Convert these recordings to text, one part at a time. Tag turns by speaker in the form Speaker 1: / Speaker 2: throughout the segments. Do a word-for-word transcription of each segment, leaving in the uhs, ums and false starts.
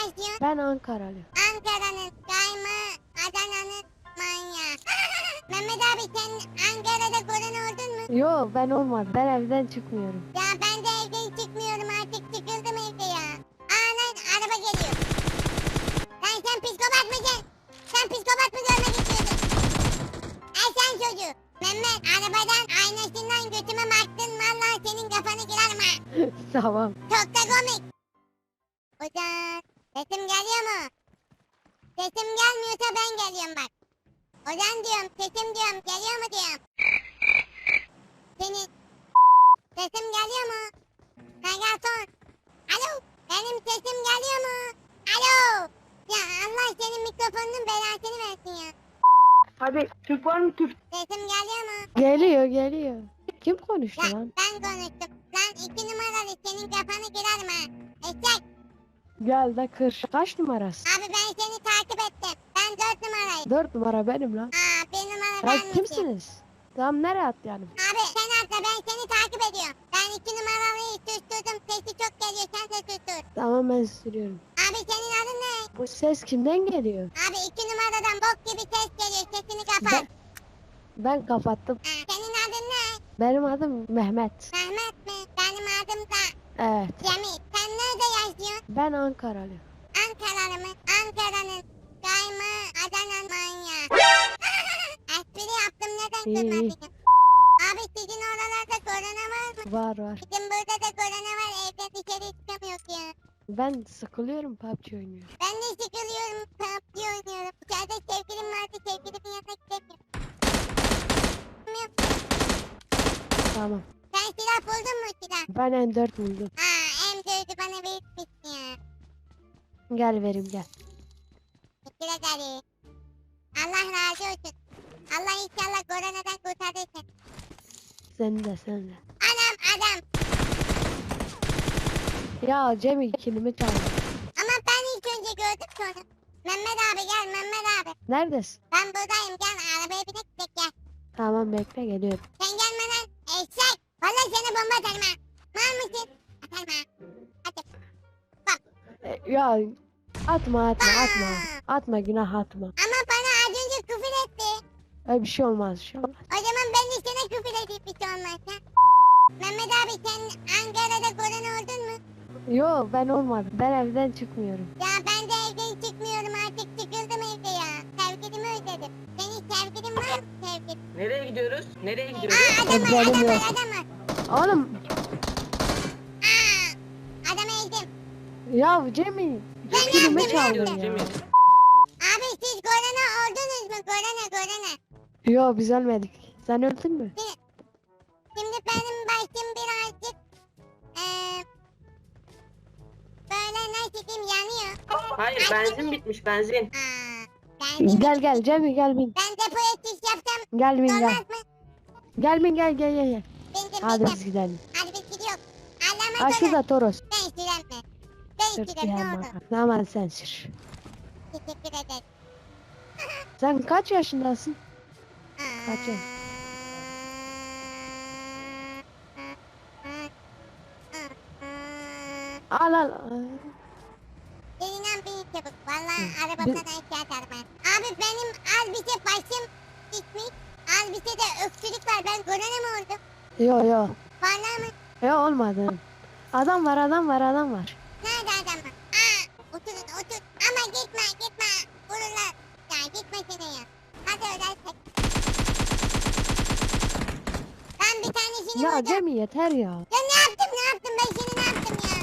Speaker 1: yaşıyorsun?
Speaker 2: Ben Ankaralı.
Speaker 1: Ankara'nın kayma, Adana'nın manyağı. Mehmet abi sen Ankara'da korona oldun mu?
Speaker 2: Yo, ben olmadım. Ben evden çıkmıyorum.
Speaker 1: Ya ben de evden çıkmıyorum artık, sıkıldım evde ya. Aa lan araba geliyor. Lan sen psikopat mısın? Sen psikopat mı görmek istiyordun? Ay sen çocuğu. Mehmet arabadan aynasından götüme baktın, vallahi senin kafanı kırarım ha.
Speaker 2: Tamam.
Speaker 1: Çok da komik. Ozan sesim geliyor mu? Sesim gelmiyorsa ben geliyorum bak. Ozan diyorum, sesim diyorum, geliyor mu diyorum. Senin sesim geliyor mu? Megaton. Alo, benim sesim geliyor mu? Alo. Ya Allah senin mikrofonunun belasını versin ya.
Speaker 3: Hadi Türk var mı Türk?
Speaker 1: Sesim geliyor mu?
Speaker 2: Geliyor geliyor. Kim konuştu
Speaker 1: Ya
Speaker 2: lan?
Speaker 1: ben konuştum. Lan iki numaralı senin kafanı kırarım ha. Eşek.
Speaker 2: Gel de kır. Kaç numarası?
Speaker 1: Abi ben seni takip ettim. Ben dört numarayım.
Speaker 2: Dört numara benim lan.
Speaker 1: Aa bir numara
Speaker 2: Ya
Speaker 1: benmişim.
Speaker 2: kimsiniz? Tamam, nereye atlayalım?
Speaker 1: Abi sen atla, ben seni takip ediyorum. Ben iki numaralıyı susturdum. Sesi çok geliyor, sen de sustur.
Speaker 2: Tamam, ben sürüyorum.
Speaker 1: Abi senin adın ne?
Speaker 2: Bu ses kimden geliyor?
Speaker 1: Abi iki numaradan bok gibi ses geliyor. Sesini kapat.
Speaker 2: Ben, ben kapattım.
Speaker 1: Ha, senin adın ne?
Speaker 2: Benim adım Mehmet.
Speaker 1: Mehmet mi? Benim adım da
Speaker 2: Evet.
Speaker 1: Cemil. Sen nerede yaşıyorsun?
Speaker 2: Ben Ankaralı.
Speaker 1: Ankaralı mı? Ankara'nın kayma, Adana manyağı. Espri yaptım, neden
Speaker 2: İyi, iyi.
Speaker 1: kızmadın? Abi sizin oralarda korona var mı?
Speaker 2: Var var.
Speaker 1: Bizim burada da korona var, evde dışarı çıkamıyoruz ya.
Speaker 2: Ben sıkılıyorum, P U B G oynuyorum.
Speaker 1: Ben de sıkılıyorum, P U B G oynuyorum. İçeride sevgilim vardı, sevgilimin yanına gidemiyorum.
Speaker 2: Tamam.
Speaker 1: Sen silah buldun mu silah?
Speaker 2: Ben M dört buldum.
Speaker 1: Aa, M dördü bana verirsin ya.
Speaker 2: Gel vereyim gel.
Speaker 1: Teşekkür ederim. Allah razı olsun. Allah inşallah koronadan kurtarırsın.
Speaker 2: Sen de sen de.
Speaker 1: Anam adam.
Speaker 2: Ya Cemil kilimi çaldı.
Speaker 1: Ama ben ilk önce gördüm sonra. Mehmet abi gel, Mehmet abi.
Speaker 2: Neredesin?
Speaker 1: Ben buradayım, gel arabaya binek gidek gel.
Speaker 2: Tamam, bekle geliyorum.
Speaker 1: Sen gelmeden eşek. Vallahi seni bomba atarım ha. Var mısın? Atarım ha. Hadi.
Speaker 2: E, ya atma atma atma. Atma, günah atma.
Speaker 1: Ama bana az önce küfür etti.
Speaker 2: Öyle bir şey olmaz, bir şey olmaz.
Speaker 1: O zaman ben de sana küfür edeyim bir şey olmazsa. Mehmet abi sen Ankara'da korona oldun mu?
Speaker 2: Yo, ben olmadım. Ben evden çıkmıyorum.
Speaker 1: Ya ben de evden çıkmıyorum artık, sıkıldım evde ya. Sevgilimi özledim. Senin sevgilin var mı sevgilin?
Speaker 3: Nereye gidiyoruz? Nereye gidiyoruz?
Speaker 1: Aa adam var,
Speaker 2: Ezberim
Speaker 1: adam var,
Speaker 2: yok.
Speaker 1: adam var.
Speaker 2: Oğlum
Speaker 1: Aa adamı ezdim.
Speaker 2: ya Cemil
Speaker 1: Ben
Speaker 2: kilimi
Speaker 1: yaptım,
Speaker 2: çaldın
Speaker 3: yaptım.
Speaker 2: ya.
Speaker 3: Cemil.
Speaker 1: Abi siz korona oldunuz mu? Korona korona.
Speaker 2: Yo, biz ölmedik. Sen öldün mü?
Speaker 1: Şimdi benim başım birazcık eee böyle nasıl diyeyim, yanıyor.
Speaker 3: Hayır benzin bitmiş benzin.
Speaker 1: Aa ben de,
Speaker 2: Gel gel Cemil gel bin.
Speaker 1: ben depoya çiş yapsam
Speaker 2: Gel bin gel.
Speaker 1: olmaz mı?
Speaker 2: Gel bin gel gel gel. gel.
Speaker 1: Bindim
Speaker 2: Hadi
Speaker 1: bindim.
Speaker 2: biz gidelim.
Speaker 1: Hadi biz gidiyoruz. Allah'ıma
Speaker 2: Ha,
Speaker 1: emanet
Speaker 2: şurada Toros.
Speaker 1: Ben sürem mi? Ben
Speaker 2: Sür
Speaker 1: sürem, ne
Speaker 2: ya
Speaker 1: oldu?
Speaker 2: bak. Tamam, sen sür.
Speaker 1: Teşekkür ederim.
Speaker 2: Sen kaç yaşındasın? Kaç yaş? Al al.
Speaker 1: Elinden bir çabuk. Valla
Speaker 2: Hı.
Speaker 1: arabamdan
Speaker 2: Bir-
Speaker 1: aşağı atarım ben. Abi benim az bir şey başım gitmiş. Az bir şey de öksürük var. Ben korona mı oldum?
Speaker 2: Yo yo.
Speaker 1: Valla mı?
Speaker 2: Yo olmadı. Adam var adam var adam var.
Speaker 1: Nerede adam var? Aa, oturun otur. Ama gitme gitme. Vururlar. Ya gitme sene ya. Hadi ödersek. Ben bir tanesini
Speaker 2: Ya
Speaker 1: vurdum.
Speaker 2: Cemil yeter ya.
Speaker 1: Ya ne yaptım ne yaptım, ben seni ne yaptım ya?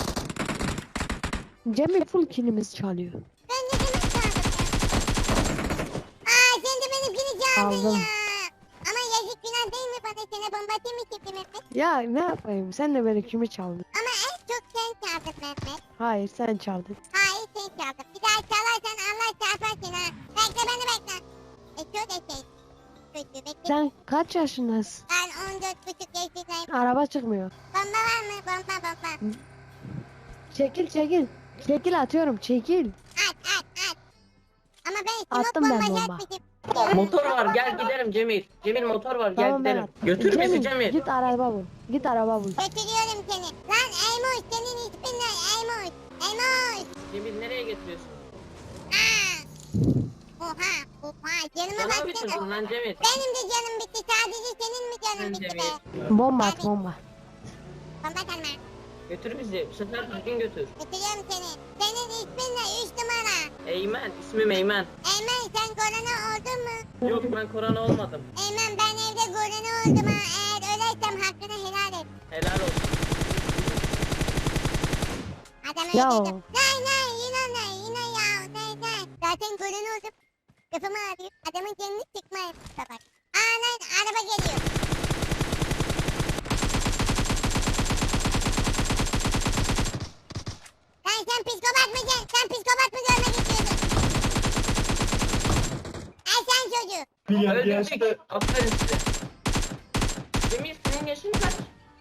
Speaker 2: Cemil full kilimiz çalıyor.
Speaker 1: Ben ne demek çaldım ya? Aa sen de benimkini çaldın
Speaker 2: Aldım.
Speaker 1: ya. Ama yazık, günah değil mi bana, sana bomba atayım mı şimdi Mehmet?
Speaker 2: Ya ne yapayım, sen de benim kimi çaldın.
Speaker 1: Ama en çok sen çaldın Mehmet.
Speaker 2: Hayır, sen çaldın.
Speaker 1: Hayır sen çaldın. Bir daha çalarsan Allah çarpar seni ha. Bekle beni bekle. E çok eşeğim. Kötü bekle.
Speaker 2: Sen kaç yaşındasın?
Speaker 1: Ben on dört buçuk yaşındayım.
Speaker 2: Araba çıkmıyor.
Speaker 1: Bomba var mı? Bomba bomba.
Speaker 2: Çekil çekil. Çekil atıyorum çekil.
Speaker 1: At at at. Ama ben smoke
Speaker 2: Attım ben
Speaker 1: bombası
Speaker 2: bomba.
Speaker 1: atmışım.
Speaker 3: Motor var gel gidelim Cemil. Cemil motor var gel
Speaker 2: Tamam ben
Speaker 3: gidelim.
Speaker 2: at.
Speaker 3: Götür bizi Cemil.
Speaker 2: Git araba bul. Git araba bul.
Speaker 1: Götürüyorum seni. Lan Eymoş, senin ismin ne? Eymoş. Eymoş.
Speaker 3: Cemil nereye getiriyorsun?
Speaker 1: Aa! Oha, oha, canıma
Speaker 3: Bana mı
Speaker 1: baksana.
Speaker 3: bitirdin lan Cemil?
Speaker 1: Benim de canım bitti, sadece senin mi canın
Speaker 3: Sen
Speaker 1: bitti
Speaker 3: Cemil.
Speaker 1: be?
Speaker 2: Bomba at bomba.
Speaker 1: Bomba tanma.
Speaker 3: Götür bizi. Bu sefer düzgün götür.
Speaker 1: Götürüyorum seni. Senin ismin ne? Üç numara.
Speaker 3: Eymen. İsmim Eymen.
Speaker 1: Eymen sen korona oldun mu?
Speaker 3: Yok ben korona olmadım.
Speaker 1: Eymen ben evde korona oldum ha. Eğer ölersem hakkını helal et.
Speaker 3: Helal olsun.
Speaker 1: Adamı
Speaker 2: Ya.
Speaker 1: öldürdüm. Nay nay yine nay yine ya. Nay nay. Zaten korona oldum. Kafamı ağrıyor. Adamın kendini çıkmayın. Bak. Aa lan araba geliyor. Lan sen psikopat mısın? Sen psikopat mı görmek istiyorsun? Ay sen çocuğu.
Speaker 3: Öldürdük. Aferin size. Cemil senin yaşın kaç?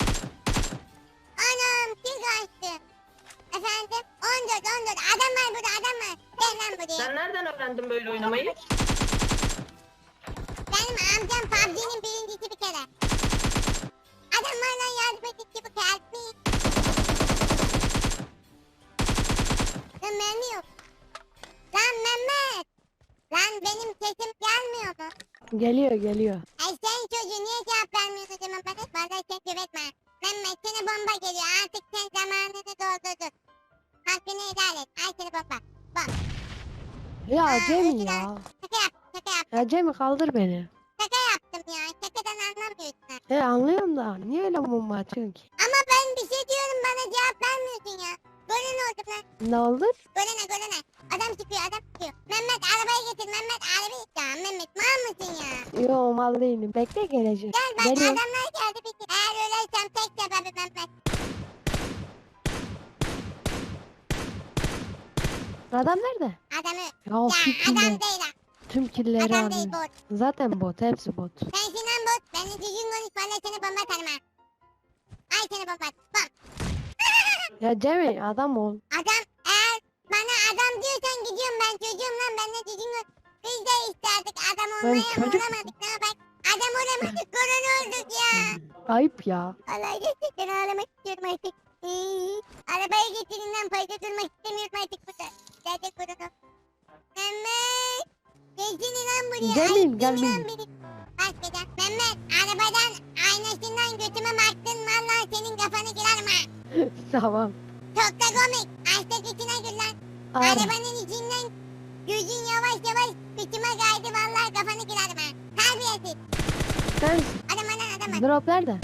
Speaker 1: Anam kim kaçtı? Efendim? on dört on dört. Adam var burada adam var. Gel lan buraya.
Speaker 3: Sen nereden öğrendin böyle oynamayı?
Speaker 1: Benim amcam P U B G'nin birincisi bir kere. Adam var lan yardım et ki bu kalbi. Lan mermi yok. Lan Mehmet. Lan benim sesim gelmiyor mu?
Speaker 2: Geliyor geliyor.
Speaker 1: Ay sen çocuğu niye cevap vermiyorsun o zaman bana? Vallahi sen güvetme. Mehmet sana bomba geliyor. Artık sen zamanını doldurdun. Hakkını helal et. Ay seni bomba. Bom.
Speaker 2: Ya
Speaker 1: Aa,
Speaker 2: Cemil
Speaker 1: özür
Speaker 2: ya.
Speaker 1: dilerim. Şaka yap. Şaka yap.
Speaker 2: Ya Cemil kaldır beni.
Speaker 1: Şaka yaptım ya. Şakadan anlamıyorsun ha.
Speaker 2: He anlıyorum da niye öyle bomba atıyorsun ki?
Speaker 1: Ama ben bir şey diyorum bana cevap vermiyorsun ya. Golün oldum lan.
Speaker 2: Ne oldu?
Speaker 1: Golene golene. Adam çıkıyor adam çıkıyor. Mehmet arabayı getir Mehmet arabayı. Ya Mehmet mal mısın ya?
Speaker 2: Yo mal değilim. Bekle gelecek.
Speaker 1: Gel bak
Speaker 2: Geliyor.
Speaker 1: adamlar geldi peki. Eğer ölersem tek sebebi Mehmet.
Speaker 2: Adam nerede?
Speaker 1: Adamı.
Speaker 2: Ya
Speaker 1: Ya
Speaker 2: tüm
Speaker 1: adam
Speaker 2: killer,
Speaker 1: değil ha.
Speaker 2: tüm killeri
Speaker 1: Adam değil
Speaker 2: alıyor.
Speaker 1: bot.
Speaker 2: Zaten bot. Hepsi bot.
Speaker 1: Sensin lan bot. Benimle düzgün konuş valla seni bomba atarım ha. Ay seni bomba at. Bom.
Speaker 2: Ya Cemil adam ol.
Speaker 1: Adam eğer bana adam diyorsan gidiyorum ben çocuğum lan benimle düzgün konuş. Biz de isterdik adam
Speaker 2: Ben
Speaker 1: olmaya ama
Speaker 2: çocuk-
Speaker 1: olamadık ne yapak. Adam olamadık korona olduk ya.
Speaker 2: Ayıp ya.
Speaker 1: Allah gerçekten ağlamak istiyorum artık. Hii. Arabaya getirin lan fazla durmak istemiyorum artık burada. Nerede korona? Mehmet. Gelsene lan buraya.
Speaker 2: Gelmeyeyim,
Speaker 1: Ayıp değil mi
Speaker 2: gelmeyeyim.
Speaker 1: lan benim? Başkadan. Mehmet arabadan aynasından götüme baktın valla senin kafanı kırarım ha.
Speaker 2: Tamam.
Speaker 1: Çok da komik. Açta götüne gül lan.
Speaker 2: Ara.
Speaker 1: Arabanın içinden gözün yavaş yavaş kıçıma kaydı valla kafanı kırarım ha. Terbiyesiz.
Speaker 2: Sen
Speaker 1: Adama lan adama.
Speaker 2: drop nerede?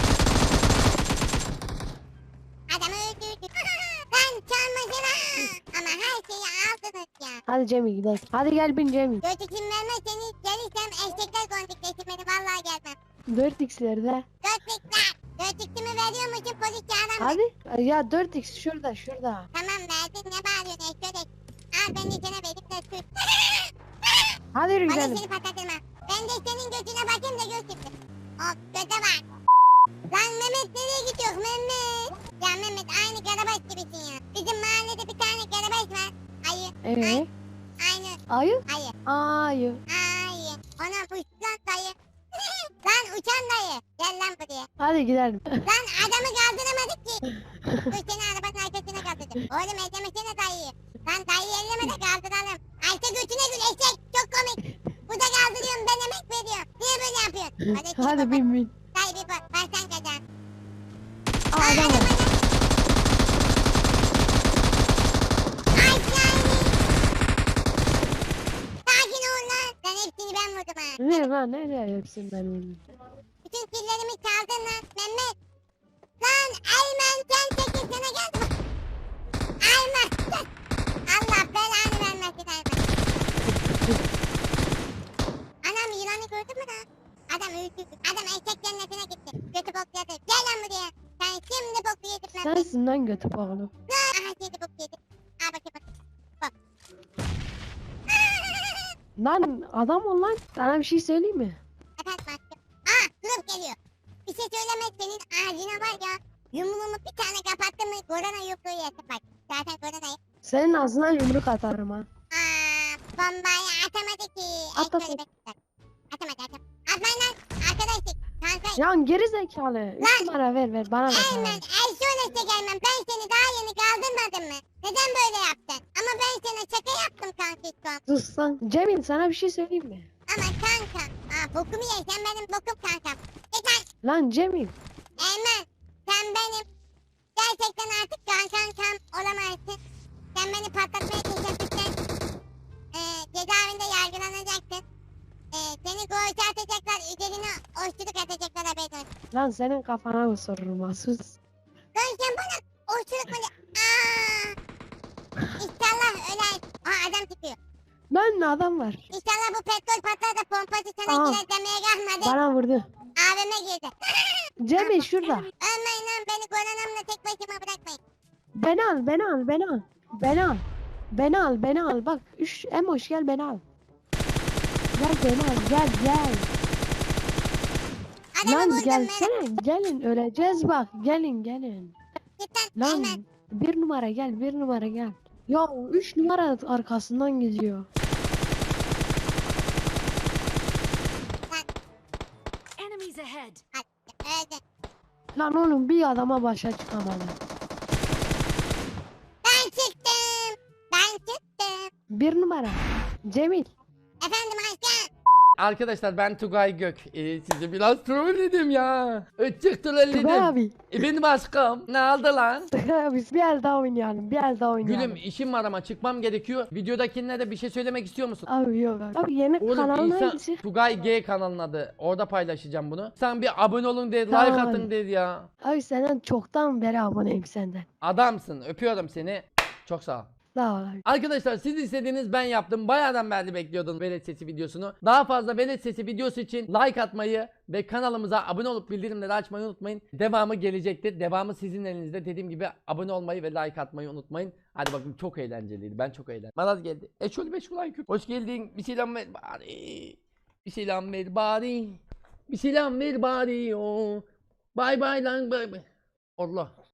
Speaker 1: Adamı öldürdük. Ben çalmadım ha. Ama her şeyi aldınız ya.
Speaker 2: Hadi Cemil gidelim. Hadi gel bin Cemil.
Speaker 1: Dört isim vermezseniz gelirsem eşekler kondikleşir beni vallahi gelmem.
Speaker 2: dört x'lerde.
Speaker 1: Dört ikler. Dört iksimi veriyor musun polis çağıran mı?
Speaker 2: Hadi. Ya dört x şurada şurada.
Speaker 1: Tamam verdin ne bağırıyorsun eşek. Al ben de sana verip de sür.
Speaker 2: Hadi yürü
Speaker 1: Hadi
Speaker 2: gidelim.
Speaker 1: seni patlatırma. Ben de senin gözüne bakayım da gör şimdi. Hop göze bak. Lan Mehmet nereye gidiyor Mehmet? Ya Mehmet aynı karabaş gibisin ya. Bizim mahallede bir tane karabaş var. Ayı.
Speaker 2: Evet.
Speaker 1: Aynı.
Speaker 2: Ayı.
Speaker 1: Ayı.
Speaker 2: Ayı.
Speaker 1: Ayı. Ona uçan dayı. Lan uçan dayı. Gel lan buraya.
Speaker 2: Hadi gidelim.
Speaker 1: Lan adamı kaldıramadık ki. Dur seni arabanın arkasına kaldırdım. Oğlum ellemesene dayıyı. Lan dayıyı elleme de kaldıralım. Ayşe götüne gül eşek. Çok komik. Burada kaldırıyorum ben emek veriyorum. Niye böyle yapıyorsun? Hadi, seni
Speaker 2: Hadi
Speaker 1: baba-
Speaker 2: bin bin.
Speaker 1: Dayı bir bak. Versen kazan.
Speaker 2: Aa, adam var.
Speaker 1: Ay yani. Sakin ol lan. Lan hepsini ben vurdum ha.
Speaker 2: Ne lan ne diyor hepsini ben öldüm.
Speaker 1: Bütün killerimi çaldın lan Mehmet. Lan Aymen sen çekil sana geldim. Aymen. Allah belanı vermesin Aymen. Anam yılanı gördün mü lan? Adam öldürdü. Adam eşek cennetine gitti. Götü bokladı. Gel lan buraya. Sen şimdi boku yedin Mehmet.
Speaker 2: Sensin lan götü bağlı.
Speaker 1: Aha şimdi boku yedin. Al bakayım bak.
Speaker 2: Lan adam ol lan. Sana bir şey söyleyeyim mi?
Speaker 1: Efendim aşkım. Aa durup geliyor. Bir şey söyleme senin ağzına var ya. Yumruğumu bir tane kapattın mı korona yumruğu yesin bak. Zaten koronayı.
Speaker 2: Senin ağzına yumruk atarım ha.
Speaker 1: Aa bombayı atamadı ki.
Speaker 2: At,
Speaker 1: Ekmeği
Speaker 2: at, at.
Speaker 1: bekler. Atamadı atamadı. Atmayın lan. Arkadaşlık. Kanka.
Speaker 2: Ya geri zekalı. Üç numara ver ver bana ver. bana
Speaker 1: Eymen
Speaker 2: ver.
Speaker 1: el şöyle gelmem. Ben seni daha yeni kaldırmadım mı? Neden böyle yaptın? Ama bokum.
Speaker 2: Sus lan. Cemil sana bir şey söyleyeyim mi?
Speaker 1: Ama kanka. Aa bokumu ye sen benim bokum kankam. Yeter.
Speaker 2: Lan Cemil.
Speaker 1: Eymen sen benim gerçekten artık kan kankam olamazsın. Sen beni patlatmaya teşebbüsten e, cezaevinde yargılanacaksın. E, seni koğuşa atacaklar, üzerine oşçuluk atacaklar haberin olsun.
Speaker 2: Lan senin kafana mı sorurum ha, sus.
Speaker 1: Lan sen bana oşçuluk mu? Aaa. İnşallah öler. Aa adam çıkıyor.
Speaker 2: Lan adam var.
Speaker 1: İnşallah bu petrol patlar da pompası sana
Speaker 2: Aa.
Speaker 1: girer demeye kalmadı.
Speaker 2: Bana vurdu.
Speaker 1: A V M girdi.
Speaker 2: Cemil şurada.
Speaker 1: Ölmeyin lan beni koronamla tek başıma bırakmayın.
Speaker 2: Beni al, beni al, beni al. Beni al. Beni al, beni al. Bak, üç Emoş gel beni al. Gel beni al, gel gel.
Speaker 1: Adamı
Speaker 2: Lan
Speaker 1: buldum
Speaker 2: gelsene, gelin öleceğiz bak. Gelin gelin.
Speaker 1: Cidden
Speaker 2: Lan
Speaker 1: Eymen.
Speaker 2: bir numara gel, bir numara gel. Ya üç numara arkasından gidiyor.
Speaker 4: Enemies ahead.
Speaker 1: Öldü.
Speaker 2: Lan oğlum bir adama başa çıkamadı.
Speaker 1: Ben çıktım. Ben çıktım.
Speaker 2: Bir numara. Cemil.
Speaker 1: Efendim aşkım.
Speaker 5: Arkadaşlar ben Tugay Gök. Ee, sizi biraz trolledim ya. Ötçük trolledim.
Speaker 2: Tugay abi.
Speaker 5: E, benim aşkım. Ne oldu lan?
Speaker 2: Tugay abi bir el daha oynayalım, bir el daha oynayalım.
Speaker 5: Gülüm işim var ama çıkmam gerekiyor. Videodakilerine de bir şey söylemek istiyor musun?
Speaker 2: Abi yok abi. Abi yeni
Speaker 5: Oğlum
Speaker 2: kanal
Speaker 5: insan
Speaker 2: hangisi?
Speaker 5: Tugay G kanalının adı. Orada paylaşacağım bunu. Sen bir abone olun dedi, like
Speaker 2: Tamam
Speaker 5: atın
Speaker 2: abi.
Speaker 5: dedi ya.
Speaker 2: Abi senden çoktan beri aboneyim senden.
Speaker 5: Adamsın. Öpüyorum seni. Çok sağ ol.
Speaker 2: Sağ ol abi.
Speaker 5: Arkadaşlar siz istediğiniz ben yaptım. Bayağıdan beri bekliyordum Velet Sesi videosunu. Daha fazla Velet Sesi videosu için like atmayı ve kanalımıza abone olup bildirimleri açmayı unutmayın. Devamı gelecektir. Devamı sizin elinizde. Dediğim gibi abone olmayı ve like atmayı unutmayın. Hadi bakın çok eğlenceliydi. Ben çok eğlendim. Maraz geldi. E şöyle beş kulağın küp. Hoş geldin. Bir selam ver bari. Bir selam ver bari. Bir selam ver bari. Oh. Bay bay lan bay bay. Allah.